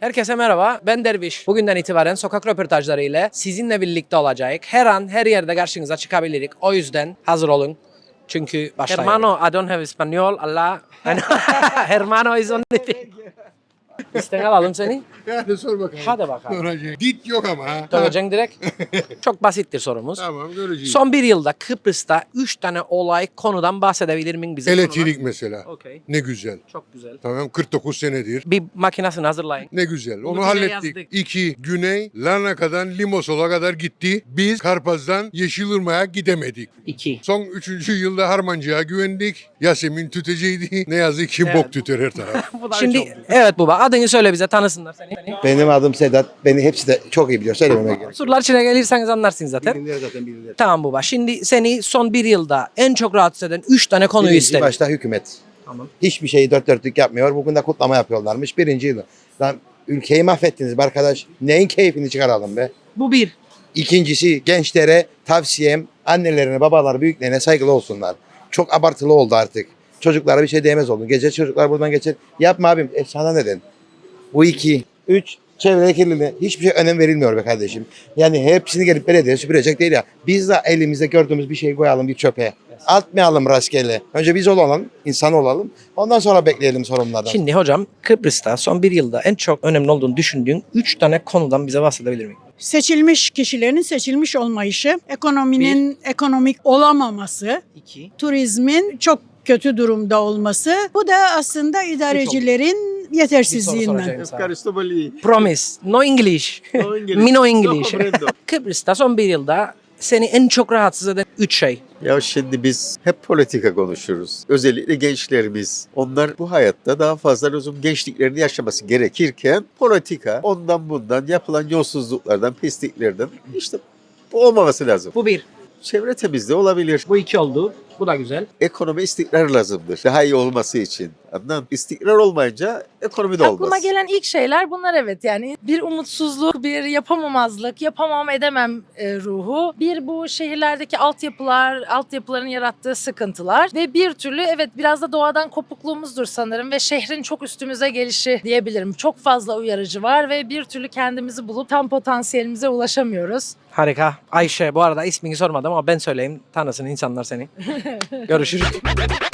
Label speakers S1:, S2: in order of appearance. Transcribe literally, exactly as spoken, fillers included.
S1: Herkese merhaba, ben Derviş. Bugünden itibaren sokak röportajları ile sizinle birlikte olacak. Her an, her yerde karşınıza çıkabilirik. O yüzden hazır olun. Çünkü başlayalım. Hermano, I don't have Espanol. Allah. Hermano is on the thing. İsten alalım seni.
S2: Hadi sor bakalım.
S1: Hadi bakalım.
S2: Soracağım. Dit yok ama ha.
S1: Söyleyeceksin direkt. Çok basittir sorumuz.
S2: Tamam göreceğiz.
S1: Son bir yılda Kıbrıs'ta üç tane olay konudan bahsedebilir miyim bize?
S2: Elektrik mesela.
S1: Okey.
S2: Ne güzel.
S1: Çok güzel.
S2: Tamam kırk dokuz senedir.
S1: Bir makinesini hazırlayın.
S2: Ne güzel. Onu,
S1: Onu bile
S2: hallettik.
S1: yazdık.
S2: İki, Güney Larnaka'dan Limasol'a kadar gitti. Biz Karpaz'dan Yeşilırmak'a gidemedik.
S1: İki.
S2: Son üçüncü yılda Harmancık'a güvendik. Yasemin tüteceydi. Ne yazık ki
S1: Evet.
S2: bok tüter her taraf.
S1: Şimdi evet baba adını söyle bize tanısınlar seni.
S3: Benim adım Sedat. Beni hepsi de çok iyi biliyor. Söylememe gerek.
S1: Surlar içine gelirseniz anlarsınız zaten.
S3: Bilinir zaten bilinir.
S1: Tamam baba. Şimdi seni son bir yılda en çok rahatsız eden üç tane konuyu
S3: Birinci
S1: isterim.
S3: başta hükümet.
S1: Tamam.
S3: Hiçbir şeyi dört dörtlük yapmıyor. Bugün de kutlama yapıyorlarmış. Birinci yılı. Lan ülkeyi mahvettiniz be arkadaş. Neyin keyfini çıkaralım be.
S1: Bu bir.
S3: İkincisi gençlere tavsiyem annelerine, babalar, büyüklerine saygılı olsunlar. Çok abartılı oldu artık. Çocuklara bir şey diyemez oldu. Gece çocuklar buradan geçer. Yapma abim. E sana neden? Bu iki. Üç. Çevre kirliliğine hiçbir şey önem verilmiyor be kardeşim. Yani hepsini gelip belediye süpürecek değil ya. Biz de elimizde gördüğümüz bir şey koyalım bir çöpe. Atmayalım rastgele. Önce biz olalım, insan olalım. Ondan sonra bekleyelim sorunlardan.
S1: Şimdi hocam Kıbrıs'ta son bir yılda en çok önemli olduğunu düşündüğün üç tane konudan bize bahsedebilir miyim?
S4: Seçilmiş kişilerin seçilmiş olmayışı, ekonominin ekonomik olamaması,
S1: İki.
S4: turizmin çok kötü durumda olması. Bu da aslında idarecilerin
S1: Bir soru
S4: yetersizliğinden.
S1: soracağım sana.
S5: Ευχαριστώ πολύ.
S1: Promise. No English.
S5: No English.
S1: Me no
S5: No
S1: English.
S5: comprendo.
S1: Kıbrıs'ta son bir yılda seni en çok rahatsız eden üç şey.
S5: Ya şimdi biz hep politika konuşuruz. Özellikle gençlerimiz. Onlar bu hayatta daha fazla lüzum gençliklerini yaşaması gerekirken politika ondan bundan yapılan yolsuzluklardan, pisliklerden işte bu olmaması lazım.
S1: Bu bir.
S5: Çevre temizliği olabilir.
S1: Bu iki oldu. Bu da güzel.
S5: Ekonomi istikrar lazımdır. Daha iyi olması için. Anladın? İstikrar olmayınca ekonomi de olmaz.
S6: Aklıma gelen ilk şeyler bunlar, evet. Yani bir umutsuzluk, bir yapamamazlık, yapamam edemem e, ruhu. Bir bu şehirlerdeki altyapılar, altyapıların yarattığı sıkıntılar ve bir türlü evet biraz da doğadan kopukluğumuzdur sanırım ve şehrin çok üstümüze gelişi diyebilirim. Çok fazla uyarıcı var ve bir türlü kendimizi bulup tam potansiyelimize ulaşamıyoruz.
S1: Harika. Ayşe bu arada ismini sormadım ama ben söyleyeyim. Tanısın insanlar seni. Görüşürüz.